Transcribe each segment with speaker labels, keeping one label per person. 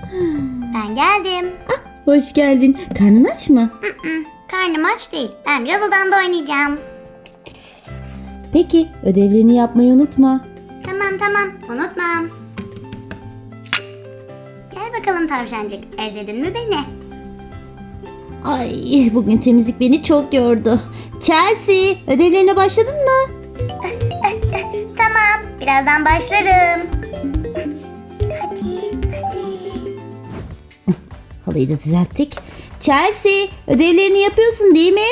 Speaker 1: Ben geldim.
Speaker 2: Hoş geldin. Karnın aç mı?
Speaker 1: Karnım aç değil. Ben biraz odamda oynayacağım.
Speaker 2: Peki, ödevlerini yapmayı unutma.
Speaker 1: Tamam. Unutmam. Gel bakalım tavşancık. Özledin mi beni?
Speaker 2: Ay, bugün temizlik beni çok yordu. Chelsea, ödevlerine başladın mı?
Speaker 1: Tamam. Birazdan başlarım. Hadi.
Speaker 2: Halıyı da düzelttik. Chelsea, ödevlerini yapıyorsun değil mi?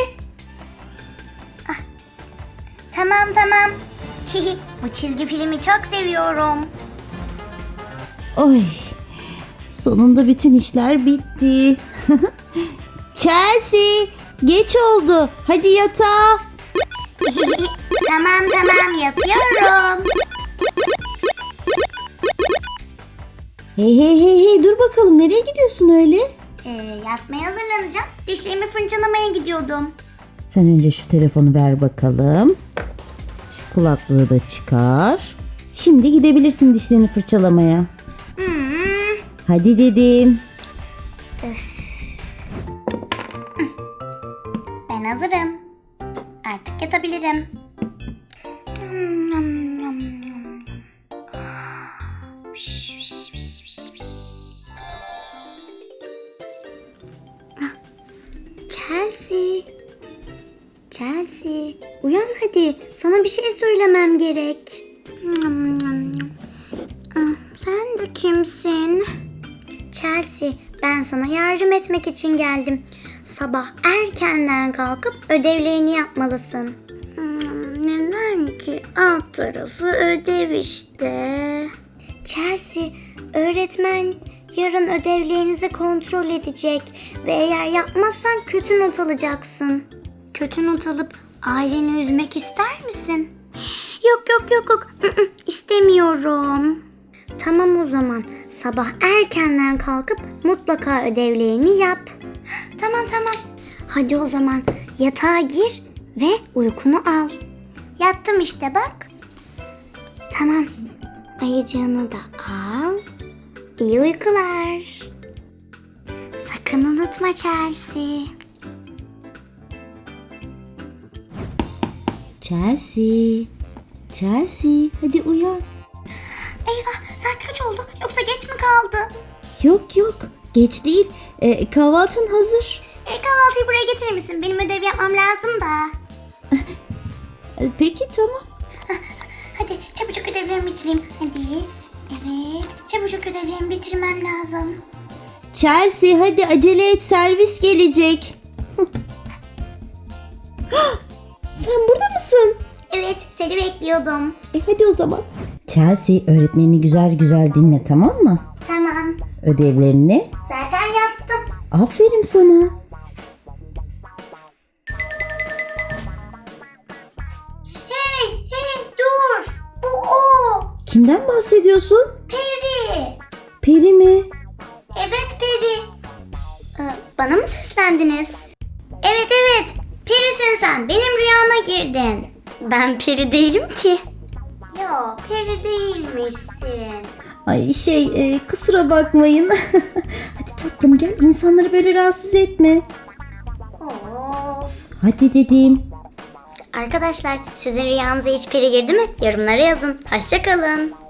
Speaker 1: Tamam. Bu çizgi filmi çok seviyorum.
Speaker 2: Oy, sonunda bütün işler bitti. Chelsea, geç oldu. Hadi yatağa.
Speaker 1: Tamam yapıyorum.
Speaker 2: Hey, dur bakalım, nereye gidiyorsun öyle?
Speaker 1: Yatmaya hazırlanacağım. Dişlerimi fırçalamaya gidiyordum.
Speaker 2: Sen önce şu telefonu ver bakalım. Şu kulaklığı da çıkar. Şimdi gidebilirsin dişlerini fırçalamaya. Hadi dedim.
Speaker 1: Ben hazırım. Artık yatabilirim. Chelsea, uyan hadi. Sana bir şey söylemem gerek. Sen de kimsin? Chelsea, ben sana yardım etmek için geldim. Sabah erkenden kalkıp ödevlerini yapmalısın. Neden ki? Alt tarafı ödev işte. Chelsea, öğretmen yarın ödevlerinizi kontrol edecek ve eğer yapmazsan kötü not alacaksın. Kötü not alıp aileni üzmek ister misin? Yok. İstemiyorum. Tamam o zaman. Sabah erkenden kalkıp mutlaka ödevlerini yap. Tamam. Hadi o zaman yatağa gir ve uykunu al. Yattım işte bak. Tamam. Ayıcığını da al. İyi uykular. Sakın unutma Chelsea.
Speaker 2: Chelsea, hadi uyan.
Speaker 1: Eyvah, saat kaç oldu? Yoksa geç mi kaldı?
Speaker 2: Yok, geç değil. Kahvaltın hazır.
Speaker 1: Kahvaltıyı buraya getirir misin? Benim ödev yapmam lazım da.
Speaker 2: Peki, tamam.
Speaker 1: Hadi çabucak ödevlerimi bitireyim. Hadi. Evet, çabucak ödevlerimi bitirmem lazım.
Speaker 2: Chelsea, hadi acele et, servis gelecek. Sen burada mısın?
Speaker 1: Evet, seni bekliyordum.
Speaker 2: Hadi o zaman. Chelsea, öğretmenini güzel dinle, tamam mı?
Speaker 1: Tamam,
Speaker 2: Ödevlerini.
Speaker 1: zaten yaptım.
Speaker 2: Aferin sana.
Speaker 1: Hey, dur. Bu o.
Speaker 2: Kimden bahsediyorsun?
Speaker 1: Peri.
Speaker 2: Peri mi?
Speaker 1: Evet, Peri. Bana mı seslendiniz? Evet. Perisin sen. Benim rüyama girdin. Ben peri değilim ki. Yok, peri değilmişsin.
Speaker 2: Ay kusura bakmayın. Hadi tatlım, gel, insanları böyle rahatsız etme.
Speaker 1: Of.
Speaker 2: Hadi dedim.
Speaker 1: Arkadaşlar, sizin rüyanıza hiç peri girdi mi? Yorumlara yazın. Hoşça kalın.